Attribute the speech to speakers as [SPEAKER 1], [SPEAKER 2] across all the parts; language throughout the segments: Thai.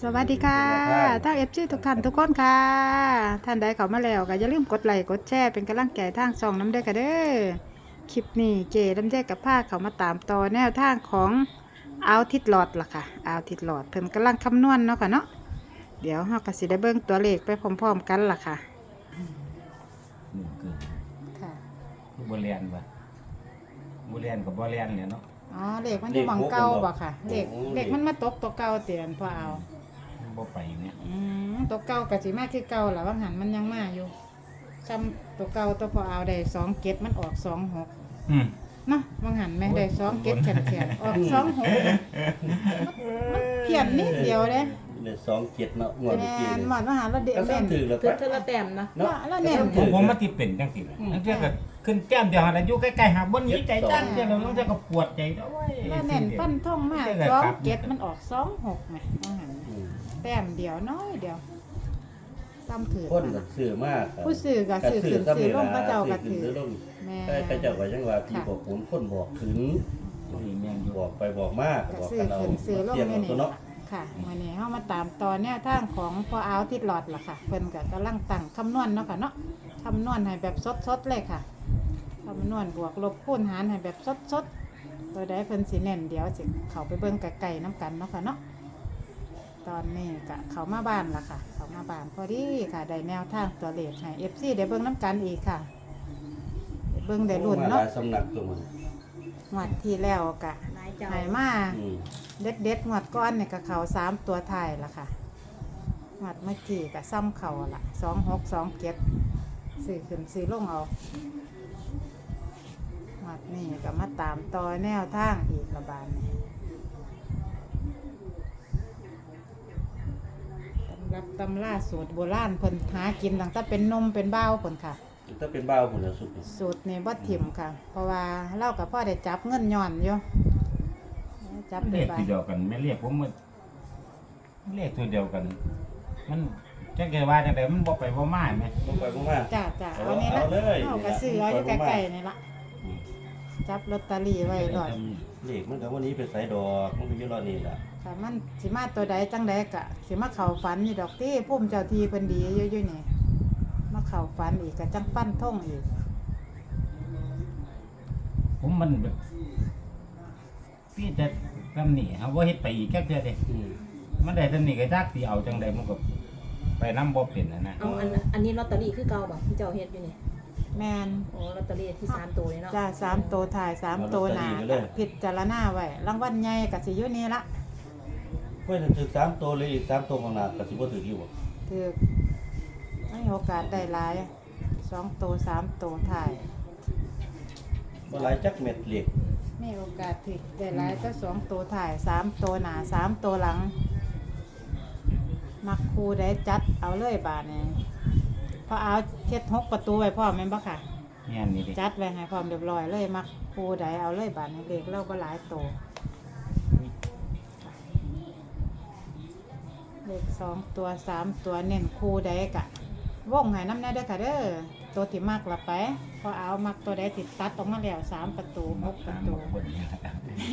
[SPEAKER 1] สวัสดีค่ะทั้งFCทุกท่านทุกคนค่ะท่านใดเข้ามาแล้วก็อย่าลืมกดไลค์กดแชร์เป็นกำลังใจทางช่องน้ำเด้อค่ะเด้อคลิปนี้เก๋ลำเด้กับผ้าเขามาตามต่อแนวทางของเอาทิดหลอดล่ะค่ะเอาทิดหลอดเพิ่นกำลังคำนวณเนาะค่ะเนาะเดี๋ยวเฮาก็สิได้เบิ่งตัวเลขไปพร้อมๆกันล่ะค่ะ
[SPEAKER 2] หนึ่งเกิน
[SPEAKER 1] ค่ะ
[SPEAKER 2] คือบ่เรียนบ่บ่เรียนกับบ่เรียนเนี่ยเนาะ
[SPEAKER 1] อ๋อเลขมันอยู่หม่องเก่าบ่ค่ะเลขมันมาตกตัวเก่าเตียนพอเอา
[SPEAKER 2] บ่ไปเนี่ย
[SPEAKER 1] ตัวเก่าก็สิมาคือเก่าล่ะว่าหันมันยังมาอยู่ซ้ำตัวเก่าตัวพอเอาได้2เก็ดมันออก26
[SPEAKER 2] อืม
[SPEAKER 1] เนาะบางหันแม่ได้2เก็ดแขนออก26มันเพี้ยนนิดเดียวเด้
[SPEAKER 3] เลย2-7เนาะงวด
[SPEAKER 1] แม่
[SPEAKER 3] เมื่อกี้
[SPEAKER 1] น
[SPEAKER 3] นี่
[SPEAKER 1] หมอนว่าหาเราเด่น
[SPEAKER 3] ก็
[SPEAKER 1] เด่น
[SPEAKER 3] ถือแล้ว
[SPEAKER 4] คือ
[SPEAKER 3] ก็
[SPEAKER 4] เธอละแต้มนะ
[SPEAKER 3] เนาะ
[SPEAKER 1] แล้วเด่น
[SPEAKER 2] ผมมันสิเป็นจังซี่ล่ะนั่นเจ้าก็ขึ้นแต้มเดียวหั่นน่ะอยู่ใกล้ๆหาบ่หนีใจจังเจ้าแล้วนั่นเจ้าก็ปวดใจโอ้ย
[SPEAKER 1] แล้วเน่นฟันท่องมาก2เก็ดมันออก26แม่บางหัน
[SPEAKER 3] อืม
[SPEAKER 1] แต้มเดียวน้อยเดียวซ้ำถือ
[SPEAKER 3] คนก็ซื้อมาก
[SPEAKER 1] ผู้ซื้อก็ซื้อขึ้นซื้อลงพระเจ้าก็ถือ
[SPEAKER 3] ซื้อลง
[SPEAKER 1] แม่
[SPEAKER 3] แต่พระเจ้าก็ยังว่าที่บอกผมคนบอกถึง
[SPEAKER 2] นี่แม่นอยู่
[SPEAKER 3] บอกไปบอกมาก
[SPEAKER 1] ก็
[SPEAKER 3] บอก
[SPEAKER 1] ซื้อ
[SPEAKER 3] กันเอา
[SPEAKER 1] ขึ้นซื้อลง
[SPEAKER 3] เที่ยง
[SPEAKER 1] นี่
[SPEAKER 3] เอาตัว
[SPEAKER 1] นี่
[SPEAKER 3] เนาะ
[SPEAKER 1] ค่ะวันนี้เฮามาตามตอนแนวทางของพ่อเอาทิดหลอดล่ะค่ะเพิ่นก็กำลังตั้งคำนวณเนาะค่ะเนาะคำนวณให้แบบสดๆเลยค่ะคำนวณบวกลบคูณหารให้แบบสดๆตัวใดเพิ่นสิเน้นเดี๋ยวสิเข้าไปเบิ่งไกลๆน้ำกันเนาะค่ะเนาะตอนนี้ก็เข้ามาบ้านล่ะค่ะ เข้ามาบ้านพอดีค่ะได้แนวทางตัวเลขให้ FC ได้เบิ่งน้ำกันอีกค่ะได้เบิ่งได้ลุ้น
[SPEAKER 3] มาห
[SPEAKER 1] เนาะ
[SPEAKER 3] ลายสำนักตัวมัน
[SPEAKER 1] งวดที่แล้วก็
[SPEAKER 4] นายเจ้า
[SPEAKER 1] ให้มา
[SPEAKER 3] อืม
[SPEAKER 1] เด็ดๆงวดก้อนเนี่ยก็เขา3ตัวท้ายล่ะค่ะงวดเมื่อกี้ก็ซ้ำเขาล่ะ2627ซื้อขึ้นซื้อลงเอางวดนี้ก็มาตามต่อแนวทางอีกระบาดนี้ตำรับตำล่าสูตรโบราณเพิ่นหากินตั้งแต่เป็นนมเป็นเบ้าเพิ่นค่ะ
[SPEAKER 3] ถ้าเป็นบ้าวพุ่นน่ะสุดนี่
[SPEAKER 1] สูตรนี่บ่ถิ่มค่ะ เพราะว่าเรากับพ่อได้จับเงินย้อนอยู่จับ
[SPEAKER 2] เล
[SPEAKER 1] ได้
[SPEAKER 2] ข
[SPEAKER 1] บา
[SPEAKER 2] ตัวเดียวกันแม่เรียกผมว่าเลขตัวเดียวกัน มันจังได๋ว่าจังได๋มันบ่ไปบ่มาแม่
[SPEAKER 3] บ่ไปบ่มา
[SPEAKER 1] จ้าเอานี่ละ
[SPEAKER 3] เอาเลย
[SPEAKER 1] เอากระซื้อเอาอยู่ใกล้ๆนี่ละ
[SPEAKER 3] อืม
[SPEAKER 1] จับลอตเตอรี่ไว้ดอด
[SPEAKER 3] เลขมันก็วันนี้เป็นสายดอกมันก็อยู่รอนี่ล่ะ
[SPEAKER 1] ค่ะมันสิมาตัวใดจังใดกะสิมาเข้าฝันอยู่ดอกที่พุ่มเจ้าทีเพิ่นดีอยู่นี่มาเข้าฝันอีกก็จังปั้นท่งอีก
[SPEAKER 2] ผมมันแบบพี่จะทำนี่เอาบ่เฮ็ดไปอีกแค่เทื่อเด้
[SPEAKER 3] อืม
[SPEAKER 2] มันได้ทำนี่ก็จักสิเอาจังได๋มันก็ไปนำบ่เป็นนะ
[SPEAKER 4] เอาอันนี้ลอตเตอรี่คือเก่าบ่ที่เจ้าเฮ็ดอยู่นี่
[SPEAKER 1] แม่น
[SPEAKER 4] โอ้ลอตเตอรี่ที่3ตัวนี่เนาะ
[SPEAKER 1] จ้า3ตัวถ่าย3ตัวหน้าก็พิจารณาไว้รางวัลใหญ่ก็สิอยู่นี่ละ
[SPEAKER 3] เพิ่นถึง3ตัวเลยอีก3ตัวข้างหน้าก็สิบ่ถึงอยู่บ่
[SPEAKER 1] ถือไม่มีโอกาสได้หลาย2ตัว3ตัวถ่าย
[SPEAKER 3] บ่หลายจักเม็ดเหล็ก
[SPEAKER 1] มีโอกาสที่ได้หลายก็2ตัวถ่าย3ตัวหน้า3ตัวหลัง มักครูได้จัดเอาเลยบาดนี้พอเอาเฮ็ด6ประตูไว้พร้อมแม่นบ่ค่ะ
[SPEAKER 2] แม่นนี่ดิ
[SPEAKER 1] จัดไว้ให้พร้อมเรียบร้อยเลยมักครูใดเอาเลยบาดนี้เลขเราบ่หลายตัวเลข2ตัว3ตัวเน้นครูใดกะวงให้น้ำแน่เด้อค่ะเด้อตัวที่มักละไปพอเอามักตัวใดติดตัดออกมาแล้ว3ประตู6ประตู
[SPEAKER 2] บ่ดีนะครับ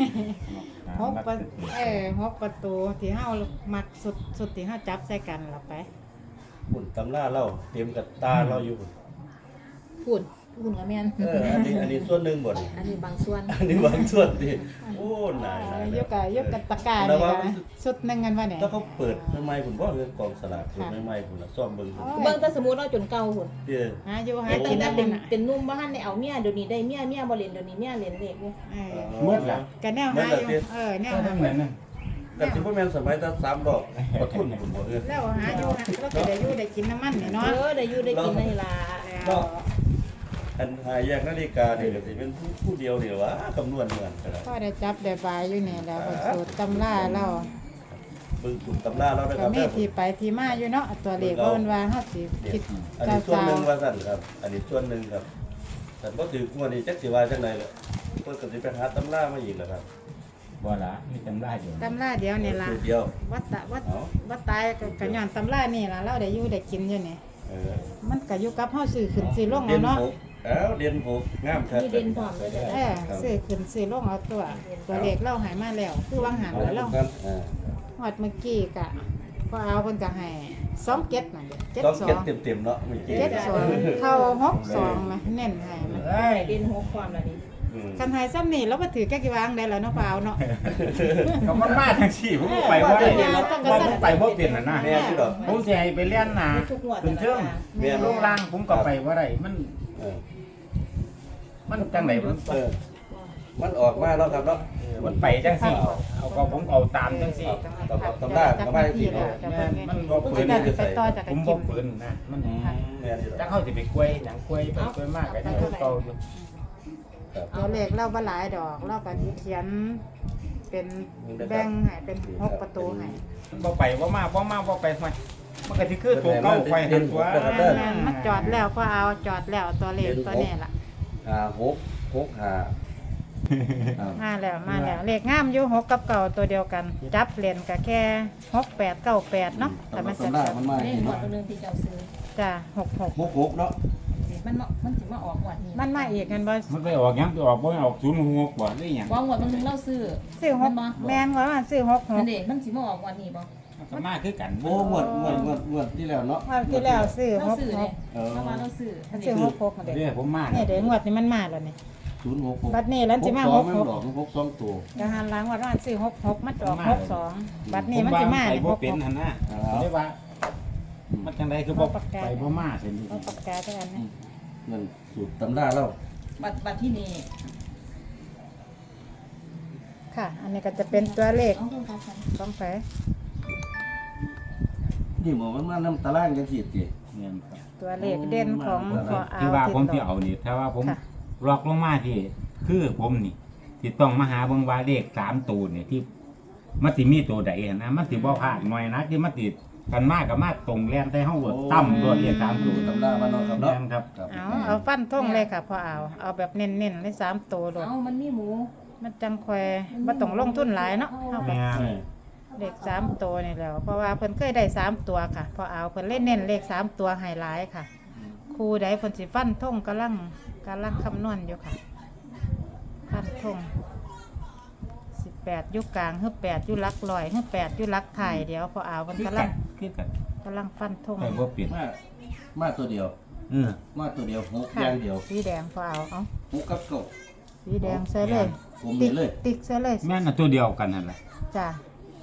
[SPEAKER 1] 6ประตูที่เฮามักสุดที่เฮาจับใส่กันละไป
[SPEAKER 3] บุญตำราเราเต็มกับตาเราอยู่พุ่น
[SPEAKER 4] พูดกับแม่น
[SPEAKER 3] อันนี้ส่วนหนึ่งบ่นี่
[SPEAKER 4] อันนี้บางส่วน
[SPEAKER 3] อันนี้บางส่วนดิโอ้นาย
[SPEAKER 1] ยกกับตะกร้านี่ค่ะสุดหนึงกันว่าเนี่ย
[SPEAKER 3] ถ้าเขาเปิดใหม่ๆผมว่าเรื่องกองสลากเปิดใหม่ๆผมละซ่อมเบิ่งผม
[SPEAKER 4] เบิ่งแต่สมมุติเราจนเก่าพุ่น
[SPEAKER 3] เด้อ
[SPEAKER 1] หาอยู่หา
[SPEAKER 4] แต่
[SPEAKER 1] กิน
[SPEAKER 4] แต่
[SPEAKER 1] นั่น
[SPEAKER 4] เป็น
[SPEAKER 1] น่ะ
[SPEAKER 4] เป็นนุ่มบ่ทันได้เอาเมียเดี๋ยวนี้ได้เมียบ่เล่นเดี๋ยวนี้เมียเล่นเลขอยู่
[SPEAKER 2] หมดละ
[SPEAKER 1] กันแนวหาอยู่แนว
[SPEAKER 2] ก็
[SPEAKER 1] หา
[SPEAKER 2] ทั้งนั้นน่ะ
[SPEAKER 3] แต่สิบ่แม่นสมัยแต่3ดอกบ่ทุนผมบ่เออ
[SPEAKER 1] แล้วหาอยู่แล้วก็ได้อยู่ได้กินน้ำมันนี่
[SPEAKER 4] เอ
[SPEAKER 1] เนาะ
[SPEAKER 4] อได้อยู่ได้กินนี่ล่ะ
[SPEAKER 3] อันหาแยกนาฬิกานี่ก็สิเป็นผู้เดียวเดียววะคำนวณเหมือนกัน
[SPEAKER 1] ก็ได้จับได้บายอยู่นี่แล้วสูตรตำราเรา
[SPEAKER 3] เบิ่งสูตรตำราเราได้ค
[SPEAKER 1] ก็
[SPEAKER 3] รับ
[SPEAKER 1] มีที่ไปที่มาอยู่เนาะตัวเลขว่ามันว่าเฮาสิคิด
[SPEAKER 3] อันนี้ส่วนหนึงว่าซั่นครับ อันนี้ส่วนหนึงครับแต่บ่ถืองวดนี้จักสิว่าจังได๋ล่ะเพิ่นก็สิไปหาตำรามาอีกแล้วครับ
[SPEAKER 2] บ่ละมีจำได้อยู่
[SPEAKER 1] ตำราเดียวนี่ล่ะ
[SPEAKER 3] สูตรเดียว
[SPEAKER 1] วัดตายก็ย้อนตำรานี่ล่ะเราได้อยู่ได้กินอยู่นี่
[SPEAKER 3] เออ
[SPEAKER 1] มันก็อยู่กับเฮาซื้อขึ้นซื้อลงเอาเนาะ
[SPEAKER 3] เด่นหกงามครับ
[SPEAKER 4] มีเด่นพร้อมเลยจ้ะ
[SPEAKER 1] ซื้อขึ้นซื้อลงเอาตัวเลขเราหายมาแล้ว คือวางหันแล้วเรา
[SPEAKER 3] ครับ
[SPEAKER 1] หอดเมื่อกี้กะพอเอาเพิ่นก็ให้2 7นั่นเด้
[SPEAKER 3] ต้องเก็บ
[SPEAKER 1] 72
[SPEAKER 3] เต็มๆเนาะเมื่อกี้
[SPEAKER 1] 72เข้า62ไหมเน้นให้มัน
[SPEAKER 2] เอ้ย
[SPEAKER 4] เด่นหกความละนี่
[SPEAKER 3] อืม
[SPEAKER 1] คันให้ซ้ำนี่แล้วบ่ถือแก้กี่วางได้แล้วเนาะเปล่าเนาะ
[SPEAKER 2] ก็มันมาทั้งสี่ผมก็ไปว่าได้ว่าผมไปบ่เป็นน่ะนะ
[SPEAKER 3] แม่นอยู่ดอก
[SPEAKER 2] ผมสิให้ไปเรียนหนา
[SPEAKER 4] ทุกงวด
[SPEAKER 2] ขึ้นเชิง
[SPEAKER 3] แม่น
[SPEAKER 2] ลงล่างผมก็ไปบ่ได้มัน
[SPEAKER 3] เออ
[SPEAKER 2] มันจังไดมัน
[SPEAKER 3] เออมันออกมาแล้วครับเนาะ
[SPEAKER 2] มันไปจังซี่เอาก็ผมเอาตามจังซี่
[SPEAKER 3] ตำราก็ไม่สิ
[SPEAKER 1] แล้
[SPEAKER 3] เนาะ
[SPEAKER 1] วจะ
[SPEAKER 2] แม่
[SPEAKER 1] เบิ่ง
[SPEAKER 2] มัน
[SPEAKER 1] ไง
[SPEAKER 2] บ่ฝืน
[SPEAKER 1] จะไปต่อจาก
[SPEAKER 2] ผ
[SPEAKER 1] กัน
[SPEAKER 2] ม
[SPEAKER 1] กิ
[SPEAKER 2] บ่
[SPEAKER 1] น
[SPEAKER 2] ฝืนนะมัน
[SPEAKER 3] แม่นอยู่ด
[SPEAKER 2] จั
[SPEAKER 3] อก
[SPEAKER 2] กเฮาสิไปกล้วยหยังกล้วยไปกล้วยมากก็ยังเก่าอยู่
[SPEAKER 3] ครับ
[SPEAKER 1] ตัวเลขเราบ่หลายดอกเราก็เขียนเป็นแบ่งให้เป็น6ประตูให้
[SPEAKER 2] มันบ่ไปบ่มาบ่ไปทำไมมันก็สิคือตัวเก่าไฟหันตัว
[SPEAKER 1] แม่นมันจอดแล้วก็เอาจอดแล้วตัวเลขตัวนี้ล่ะ
[SPEAKER 3] 6 5
[SPEAKER 1] มาแล้วเลขงามอยู่6กับเก่าตัวเดียวกัน จับเล่นก็แค่6 8 9 8เนาะแต่มันจะ
[SPEAKER 3] มันมา
[SPEAKER 4] เลข
[SPEAKER 3] เห็น
[SPEAKER 4] หมด
[SPEAKER 3] เนาะ
[SPEAKER 4] ตัวนึงที่เจ้าซื้อ
[SPEAKER 1] จ้ะ66
[SPEAKER 3] 6เนาะ
[SPEAKER 4] มันสิมาออกงวดนี้
[SPEAKER 1] มันมาอีกกันบ่
[SPEAKER 2] มันไปออกหยังไปออกบ่ออก06บ่หรือหยัง
[SPEAKER 4] ว่างวดบางนึงเราซื้อ
[SPEAKER 1] ซื้อ
[SPEAKER 4] มันบ่
[SPEAKER 1] 6แม่นว่ามันซื้อ
[SPEAKER 4] นั่น
[SPEAKER 1] 66
[SPEAKER 4] เด้มันสิมาออกงวดนี้บ่
[SPEAKER 2] มันก็มาคือกัน
[SPEAKER 3] โอ้งวดที่แล้วเนาะ
[SPEAKER 1] ว่าที่แล้วซื้อ
[SPEAKER 4] เราซื้อเนี่ย
[SPEAKER 3] เออ
[SPEAKER 4] เราว่าเราซื้ออัน
[SPEAKER 1] ซื้
[SPEAKER 4] นี้
[SPEAKER 1] อ66เด้
[SPEAKER 2] เด้อผมมา
[SPEAKER 1] นี่เด้งวดนี้มันมาแล้วนี่
[SPEAKER 3] 066
[SPEAKER 1] บัดนี้แล้วสิมา
[SPEAKER 3] 62ไม่
[SPEAKER 1] 66
[SPEAKER 3] ดอก6 2ตัว
[SPEAKER 1] ก็หันหลังว่ามันซื้อ66มันออก62บัดนี้มันสิมา
[SPEAKER 2] ไป
[SPEAKER 1] นี่
[SPEAKER 2] บ่เป็น
[SPEAKER 1] 66
[SPEAKER 2] หั่นนะได้ว่ามันจังไดคือบ่ไปบ่มาเห็น
[SPEAKER 1] เอาปากกาจังอันนี้
[SPEAKER 3] นั่นสูตรตำราเรา
[SPEAKER 4] บัตรที่นี่
[SPEAKER 1] ค่ะ อันนี้ก็จะเป็นตัวเลข
[SPEAKER 4] เอาเข้ากัน
[SPEAKER 1] ของแผล
[SPEAKER 3] นี่หมอมันมานํตารางจังซี่ติ
[SPEAKER 2] เนี่ยครับ
[SPEAKER 1] ตัวเลขเด่นของพอเอา
[SPEAKER 2] ที่ว่าผมสิ
[SPEAKER 1] ที่
[SPEAKER 2] เอานี่ถ้าว่าผม
[SPEAKER 1] ค่ะ
[SPEAKER 2] ล็อกลงมาที่คือผมนี่ที่ต้องมาหาเบิ่งว่าเลข3ตัวนี่ที่มันสิมีตัวใดหั่นนะมันสิบ่พลาดหน่อยนะที่มันติดกันมากกับมาตรงแล่นใส่เฮาตั้มรวดเลข3ตัว
[SPEAKER 3] ตำรามาเนาะครับเนาะ
[SPEAKER 2] แม่นครับ
[SPEAKER 1] เอาฟันท่งเลยค่ะพอเอาแบบเน้นๆเลย3ตัวโลด
[SPEAKER 4] เอามันมีหมู
[SPEAKER 1] มันจังแควบ่ต้องลงทุนหลายเนาะเอาแบบ
[SPEAKER 2] แม่น
[SPEAKER 1] เลข3ตัวนี่แหล้วเพราะว่าเพิ่นเคยได้3ตัวค่ะพอเอาเพิ่นเล่นเน้นเลข3ตัวให้หลายค่ะ ครูใดเพิ่นสิฟันท่งกำลังคำนวณอยู่ค่ะฟันท่ง18อยู่กลางฮึ8อยู่หลักร้อยฮึ8อยู่หลักไทยเดี๋ยวพอเอาเพิ่น
[SPEAKER 2] คือก
[SPEAKER 1] ำลั
[SPEAKER 2] กั
[SPEAKER 1] ง
[SPEAKER 2] นคือกัน
[SPEAKER 1] ฟันท่ง
[SPEAKER 2] ไปบ่เปลี่ยน
[SPEAKER 3] มาตัวเดียว มาตัวเดียว6อ
[SPEAKER 1] ค่ะ
[SPEAKER 3] ย่างเดียว
[SPEAKER 1] สีแดงพอเอา
[SPEAKER 3] 6กับเก้า
[SPEAKER 1] สีแดงใส่เลย
[SPEAKER 3] ผม
[SPEAKER 1] ติ๊
[SPEAKER 3] นี่
[SPEAKER 1] ก
[SPEAKER 3] เลย
[SPEAKER 1] ติ๊กใส่เลย
[SPEAKER 2] แม่นน่ะตัวเดียวกันนั่นแหละ
[SPEAKER 1] จ้ะ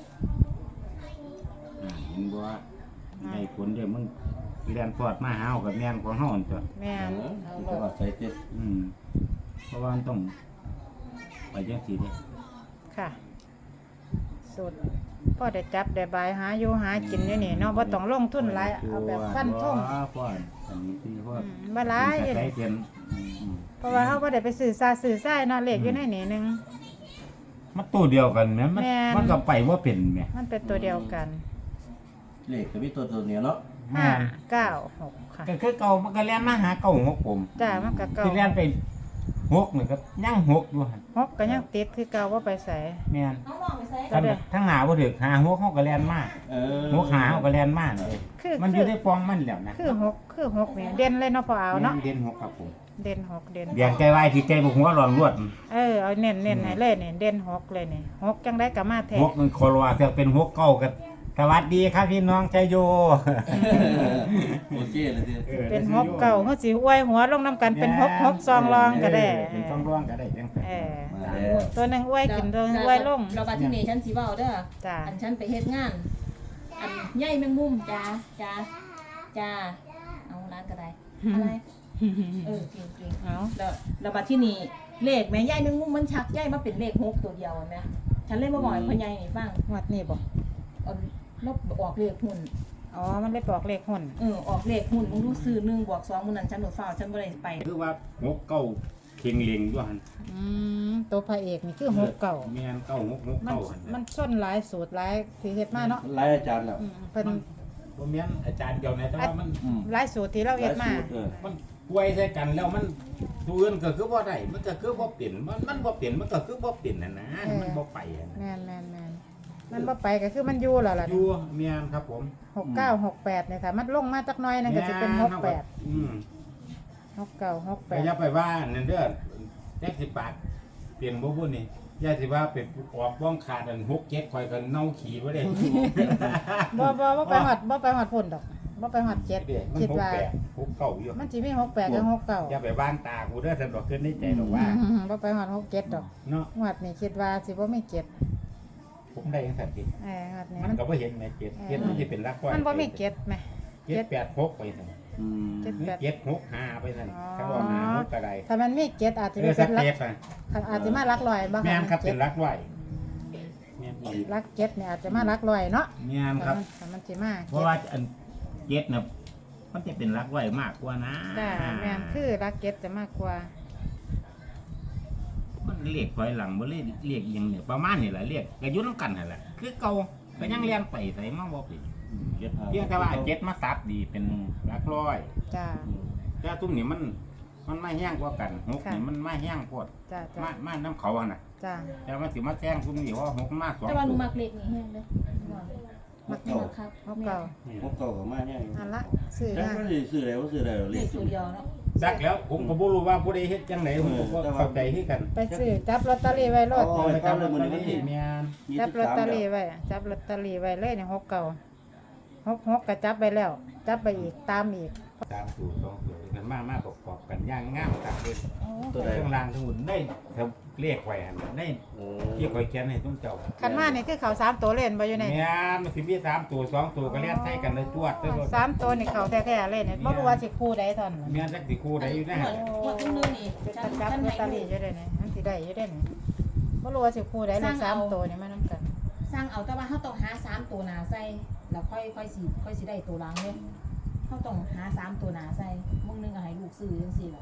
[SPEAKER 2] เห็นบ่ว่าให้ผลเด้อมึงเรียนพอดมาหาเอากับแม่นของเฮานั่นตัว
[SPEAKER 1] แม่น
[SPEAKER 3] คือจะว่าใส่เต็ด
[SPEAKER 2] เพราะว่ามันต้องไปจังซี่เด้
[SPEAKER 1] ค่ะสุดพ่อได้จับได้บายหาอยู่หากินอยู่นี่เนาะบ่ต้องลงทุนหลายเอาแบบฟันท่ง
[SPEAKER 2] พอดอันนี้คือพอด
[SPEAKER 1] บ่หลาย
[SPEAKER 2] ใช้เทียน
[SPEAKER 1] เพราะว่าเฮาบ่ได้ไปสื่อสายเนาะเลขอยู่ในนี่หนึง
[SPEAKER 2] มันตัวเดียวกันแม่มัน
[SPEAKER 1] แม่น
[SPEAKER 2] มันก็ไปว่าเป็นแม่
[SPEAKER 1] มันเป็นตัวเดียวกัน
[SPEAKER 3] เลขก็มีตัวเนี้ยเนาะ
[SPEAKER 2] แม่น
[SPEAKER 1] 5 9 6ค่ะ
[SPEAKER 2] ก็คือเก่ามันก็เรียนมาหาเก่าหกผม
[SPEAKER 1] จ้ามันก็เก่า
[SPEAKER 2] ที่เรียนไปหกนี่ก็ยังหกอยู่หั่น
[SPEAKER 1] 6ก็ยังติดคือเก่าบ่ไปใส่
[SPEAKER 2] แม่น
[SPEAKER 4] เอาหม้อไปใส่
[SPEAKER 1] ก็ได้
[SPEAKER 2] ทั้งหาบ่ถึกหาหกเฮาก็เรียนมาหกหาเฮาก็เรียนมาเลย
[SPEAKER 1] คือ
[SPEAKER 2] มันอยู่ในปองมันแล้วนะ
[SPEAKER 1] คือ6นี่เด่นเลยเนาะพอเอาเนาะ
[SPEAKER 2] แม่เด่นหกครับผม
[SPEAKER 1] เด่น6เด่น
[SPEAKER 2] เบียงใจไว้ที่ใจบ่หัวร้อนรวด
[SPEAKER 1] เอาเน้นให้เลยนี่เด่น6เลยนี่6จังได๋ก็มาแท้
[SPEAKER 2] หกมันโคลว่าจะเป็นหกเก่ากันสวัสดีครับพี่น้องชัยโย
[SPEAKER 3] โอเคเลยที
[SPEAKER 1] เป็น6เก่าเฮาสิอวยหัวลงนํกันเป็น6ซองรองก็ได้
[SPEAKER 2] เป็นซองรองก็ได้จัง
[SPEAKER 1] เออ
[SPEAKER 3] มาแล้ว
[SPEAKER 1] ตัวหนึงอวยขึ้นตัวหนึงอวยลง
[SPEAKER 4] เราบัตรที่นี่ฉันสิเว้าเด้อ
[SPEAKER 1] จ้า
[SPEAKER 4] อันฉันไปเฮ็ดงาน อันใหญ่แมงมุมจ้าเอาร้านก็ได้อะไรเก่ง
[SPEAKER 1] เอา
[SPEAKER 4] ๆแล้วบัตรที่นี่เลขแม่ใหญ่แมงมุมมันชักใหญ่มาเป็นเลข6ตัวเดียวแม่ฉันเลยมาบอกให้พ่อใหญ่นี่ฟัง
[SPEAKER 1] งวดนี้บ่
[SPEAKER 4] เอาลบออกเลขหุ้น
[SPEAKER 1] อ๋อมันเลยบอกเลขหุ่น
[SPEAKER 4] ออกเลขหุ้นมึงดูซื้อ1 บวก 2มื้อนั้นฉันบ่ฟ้าวฉันบ่ได้ไป
[SPEAKER 2] คือว่าหกเก่าเข่งเลียงด้วยหั่น
[SPEAKER 1] ตัวพระเอกนี่คือ6เก่า
[SPEAKER 2] แม่นเก่าหก
[SPEAKER 1] มัน
[SPEAKER 2] เก่าหั่น
[SPEAKER 1] มันส้นหลายสูตรหลายที่เฮ็ดมาเนาะ
[SPEAKER 3] หลายอาจารย์แล้ว
[SPEAKER 1] เพิ่น
[SPEAKER 2] บ่แม่นอาจารย์เดียวนะแต่ว่ามัน
[SPEAKER 1] หลายสูตรที่เราเฮ็ดมา
[SPEAKER 2] มันป่วยใส่กันแล้วมันตัวอื่นก็คือบ่ได้มันก็คือบ่เป็นมันบ่เป็นมันก็คือบ่เป็นน่ะนะมันบ่ไปอะนะ
[SPEAKER 1] แม่นมันบ่ไปก็คือมันอยู่แล้วล่ะ
[SPEAKER 2] อยู่แม่นครับผม
[SPEAKER 1] 69 68เนี่ยค่ะมันลงมาจักหน่อยนั่นก็สิเป็น
[SPEAKER 2] แม่น
[SPEAKER 1] 68
[SPEAKER 2] อืม
[SPEAKER 1] 69
[SPEAKER 2] ก็อย่า
[SPEAKER 1] 68
[SPEAKER 2] ไปว่านั่นเด้อแจ็คสิปากเปลี่ยนบ่บุญนี่ย่าสิว่าเป็นออกบ้องขาดอัน6-7ข่อยก็เน่าขี้บ่ได้
[SPEAKER 1] บ่ไปหอดพุ่นดอกบ่ไปหอดเจ็ด
[SPEAKER 2] มัน
[SPEAKER 1] คิดว่า
[SPEAKER 2] 6-9อยู่
[SPEAKER 1] มันสิมี68กับ69
[SPEAKER 2] อย่าไปวางตากูเด้อสำหรับขึ้นในใจหรอกว่า
[SPEAKER 1] บ่ไปหอด67ดอก
[SPEAKER 2] เนาะ
[SPEAKER 1] งวดนี้คิดว่าสิบ่มีเจ็ด
[SPEAKER 2] ผมได้จังซั่นติ
[SPEAKER 1] งวดนี้
[SPEAKER 2] มัน
[SPEAKER 1] มัน
[SPEAKER 2] ก็บ่เห็นแม่7มันสิเป็นหลักร้อย
[SPEAKER 1] มันบ่มีเจ็ดแหม
[SPEAKER 2] 7-8-6ไปซั่น
[SPEAKER 3] อืม
[SPEAKER 1] เจ็ด
[SPEAKER 2] หรือ
[SPEAKER 1] แปด
[SPEAKER 2] 7-6-5ไปซั่น
[SPEAKER 1] อ๋อ
[SPEAKER 2] ถ้าว่าหาหกก็ได้
[SPEAKER 1] ถ้ามันมีเจ็ดอาจจะ
[SPEAKER 2] เออ
[SPEAKER 1] เป็
[SPEAKER 2] สั
[SPEAKER 1] น
[SPEAKER 2] ก
[SPEAKER 1] หลัก
[SPEAKER 2] เทปอ่ะ
[SPEAKER 1] อาจจะมาหลักร้อยบ่
[SPEAKER 2] แม่นครับ
[SPEAKER 1] จ็
[SPEAKER 2] เป็
[SPEAKER 1] ด
[SPEAKER 2] นหลักร้อยแม่นอีก
[SPEAKER 1] หลักเจ็ดเนี่ยอาจจะมาหลักร้อยเนาะ
[SPEAKER 2] แม่นครับ
[SPEAKER 1] แต่มันสิมา
[SPEAKER 2] เพราะว่าอัน7น่ะมันจะเป็นหลักร้อยมากกว่านะ
[SPEAKER 1] จ้าแม่นคือหลักเจ็ดจะมากกว่า
[SPEAKER 2] มันเรียกถอยหลังบ่เรียกอีหยังเนี่ยประมาณนี้แหละเรียกก็อยู่นำกันนั่นแหละคือเก่าก็ยังเรียนไปไสมาบ่ผิดเพียงแต่ว่าเจ็ดมาตัดดีเป็นหลักร้อย
[SPEAKER 1] จ้า
[SPEAKER 2] แต่ตุ้มนี่มันไม่แห้งกว่ากันหก
[SPEAKER 1] ค่ะ
[SPEAKER 2] นี่มันไม่แห้งโพด
[SPEAKER 1] จ้า
[SPEAKER 2] มาน้ำเขาอะน่ะ
[SPEAKER 1] จ้า
[SPEAKER 2] แต่มันสิมาแจ้งตุ้มนี่ว่าหกมาสอง
[SPEAKER 4] แต่ว่าหนูมักเลขนี้แห้งเด้อ
[SPEAKER 3] มัก
[SPEAKER 4] นี่
[SPEAKER 3] เก่า
[SPEAKER 4] มักครับ
[SPEAKER 1] หกเก่า
[SPEAKER 3] มักเก่าก็มาเนี่ย
[SPEAKER 1] อันละซื้อ
[SPEAKER 3] จัง
[SPEAKER 1] มา
[SPEAKER 3] บ่ได้ซื้อแล้วซื้อแล้ว
[SPEAKER 4] เล
[SPEAKER 3] เล
[SPEAKER 4] ข
[SPEAKER 3] ข
[SPEAKER 4] ตัวเดียวเนาะ
[SPEAKER 2] ดักแล้วผมก็บ่รู้ว่าผู้ใดเฮ็ดจังไดผมก็บ่เข้าใจคือกัน
[SPEAKER 1] ไปซื้อจับลอตเตอรี่ไว้โลด
[SPEAKER 3] เอาไปตามเลยมื้อนี้วันที่
[SPEAKER 2] แม่น
[SPEAKER 1] จับลอตเตอรี่ไว้จับลอตเตอรี่ไว้เลยเนี่ยหกเก่าหกก็จับไปแล้ว จับไปอีกตามอีก
[SPEAKER 2] ตามสูตรสองสูตรกันมาประกอบกันอย่างงามครับเลย
[SPEAKER 3] ตัวใด
[SPEAKER 2] ข้างล่างทั้งหมดได้เรียกไว้หั่นได้
[SPEAKER 3] โอ้
[SPEAKER 2] ที่ข่อยเขียนให้ตุ้มเจ้า
[SPEAKER 1] คันมานี่คือเขาสามตัวเล่นบ่อยู่ใน
[SPEAKER 2] แม่นมันสิมี3ตัว2ตัวก็เลียนใส่กันเลยจวดเด้อ
[SPEAKER 1] สามตัวนี่เขาแท้ๆเล่นเนี่ยบ่รู้ว่าสิคู่ใดตอนนั้น
[SPEAKER 2] แม่นจักสิคู่ใดอยู่นะ
[SPEAKER 4] งวดนึงนี่
[SPEAKER 1] จะ
[SPEAKER 4] ฉัน
[SPEAKER 1] จับ
[SPEAKER 4] ฉัน
[SPEAKER 1] ลอ
[SPEAKER 4] ให้
[SPEAKER 1] ตเตอรี่อยู่ได้ไหนมันสิได้อยู่ได้ไหนบ่รู้ว่าสิคู่ใดเลขสามตัวนี่มานํกัน
[SPEAKER 4] สร้างเอาแต่ว่าเฮาต้องหา3ตัวหน้าใส่แล้วค่อยสิได้ตัวหลังเด้เฮาต้องหา3ตัวหน้าใส่มื้อนึงก็ให้ลูกซื้อจังซี่ล่ะ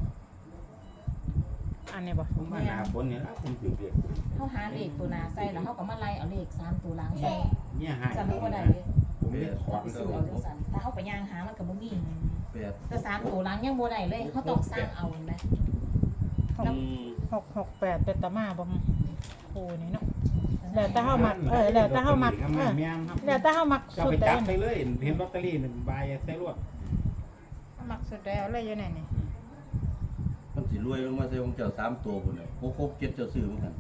[SPEAKER 1] อันนี้บ่
[SPEAKER 2] ผมมาหาคนนี่ละผมถือเรียก
[SPEAKER 4] เฮาหาเลขตัวหน้าใส่แล้วเฮาก็มาไล่เอาเลข3ตัวหลังใส่
[SPEAKER 2] เนี่ยหาย
[SPEAKER 4] จะรู้ว่าได้เด้
[SPEAKER 2] ผมเรียกขอ
[SPEAKER 4] เรา
[SPEAKER 2] ง
[SPEAKER 4] ไป
[SPEAKER 2] เด้
[SPEAKER 4] ซื้อ
[SPEAKER 2] อ
[SPEAKER 4] เอาจังซั่นถ้าเฮาไปย่างหามันก็บ่มี
[SPEAKER 3] แปด
[SPEAKER 4] แต่3ตัวหลังยังบ่ได้เลยเฮาต้องสร้างเอาเห็นไหม
[SPEAKER 3] อืม
[SPEAKER 1] 668เป็นตะมาบ่คู่นี่เนาะแล้วแต่เฮามักแล้วแต่เฮามัก
[SPEAKER 2] แม่นครับ
[SPEAKER 1] แล้วแต่เฮามัก
[SPEAKER 2] ก็
[SPEAKER 1] สุ
[SPEAKER 2] ไป
[SPEAKER 1] ดใด
[SPEAKER 2] จับไปเลยเห็นลอตเตอรี่1ใบใส่รวด
[SPEAKER 1] มักสุดใดเอาเลยอยู่ไหนนี่
[SPEAKER 3] มันสิรวยลงมาใส่ของเจ้า3ตัวพุ่นน่ะ6 7เจ้าซื้อเหมือนกัน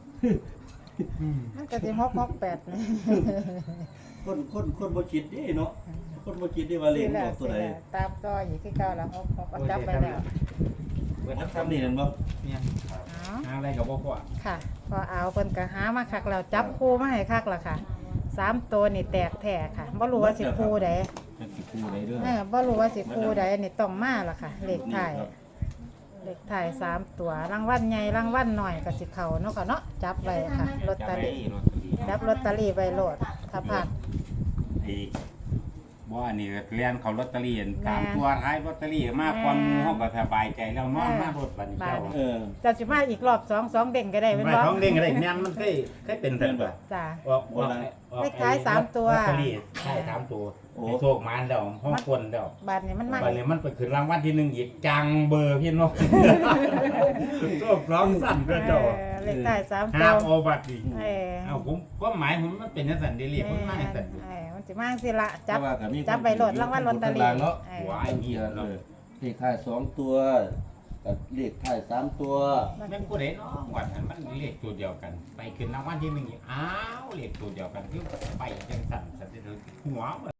[SPEAKER 1] มันก็สิ668นี่
[SPEAKER 3] คนบ่คิดเด้เนาะคนบ่คิดได้ว่าเลขมันออกตัวใด
[SPEAKER 1] ตามต่ออีกคือเก่าแล้ว6ก็จับไปแล้ว
[SPEAKER 2] เปิด
[SPEAKER 3] มัน
[SPEAKER 2] น้ำ
[SPEAKER 3] ทำนี่นั่นบ่
[SPEAKER 2] เนี่ย
[SPEAKER 1] อ๋อ
[SPEAKER 2] หาอะไรกับบ่พอ
[SPEAKER 1] ค่ะพอเอาเพิ่นก็หามาคักแล้วจับคู่มาให้คักแล้วค่ะสามตัวนี่แตกแท้ค่ะบ่รู้ว่าสิคู่ใด
[SPEAKER 2] จะสิคู่ได้เด้อ
[SPEAKER 1] บ่รู้ว่าสิคู่ใดนี่ต้องมาล่ะค่ะ เลขท้าย
[SPEAKER 3] ครับ
[SPEAKER 1] เลขท้าย3ตัวรางวัลใหญ่รางวัลน้อยก็สิเข้าเนาะค่ะเนาะจับไว้ค่ะลอตเตอรี่จับลอตเตอรี่ไว้โลดถ้าพลาด
[SPEAKER 2] ไอ้บ่อันนี้เรียนเขาลอตเตอรี่
[SPEAKER 1] แม่
[SPEAKER 2] ตามตัวท้ายลอตเตอรี่มาก่อนหมู่เฮาก็สบายใจแล้วนอนมาบดบัดนี้เจ้า
[SPEAKER 3] เออ
[SPEAKER 1] จะสิมาอีกรอบ2เด้งก็ได้แม่น
[SPEAKER 2] ไป
[SPEAKER 1] บ่
[SPEAKER 2] ท้องเด้งก็ได้แม่นมันเคยเป็นซั่นบ่
[SPEAKER 1] จ้า
[SPEAKER 2] ออก
[SPEAKER 1] เลขท้าย3ตัว
[SPEAKER 2] ลอตเตอรี่ท้าย3ตัวโอ้โชคมานแล้วห้องคนแล้ว
[SPEAKER 1] บัดนี้มันมา
[SPEAKER 2] บัดนี้มันไปขึ้นรางวัลที่1อีกจังเบอร์พี่นกโชคร้องสั่นเด้อเจ้า
[SPEAKER 1] เลขท้าย3
[SPEAKER 2] ห้า
[SPEAKER 1] ตั
[SPEAKER 2] ม
[SPEAKER 1] ว
[SPEAKER 2] เอาบัตรอีก
[SPEAKER 1] เออ
[SPEAKER 2] เอาผมก็หมายผมมันเป็นจังซั่นเด้เรียกมันมาจังซั่น
[SPEAKER 1] มันสิมาสิละจับ
[SPEAKER 3] แต่ว่าก็มี
[SPEAKER 1] จับไปโหลดรางวัลลอตเตอรี่
[SPEAKER 3] เนาะ
[SPEAKER 1] เออ
[SPEAKER 2] หวายนี่
[SPEAKER 3] เอ
[SPEAKER 2] เนาะ
[SPEAKER 3] อเลขท้าย2ตัวกับเลขท้าย3ตัว
[SPEAKER 2] แม่นผู้ใดเนาะวัดนั้นมันเลขตัวเดียวกัน ไปขึ้นรางวัลที่1อีกอ้าวเลขตัวเดียวกันคือไปจังซั่นซั่นเด้อหัว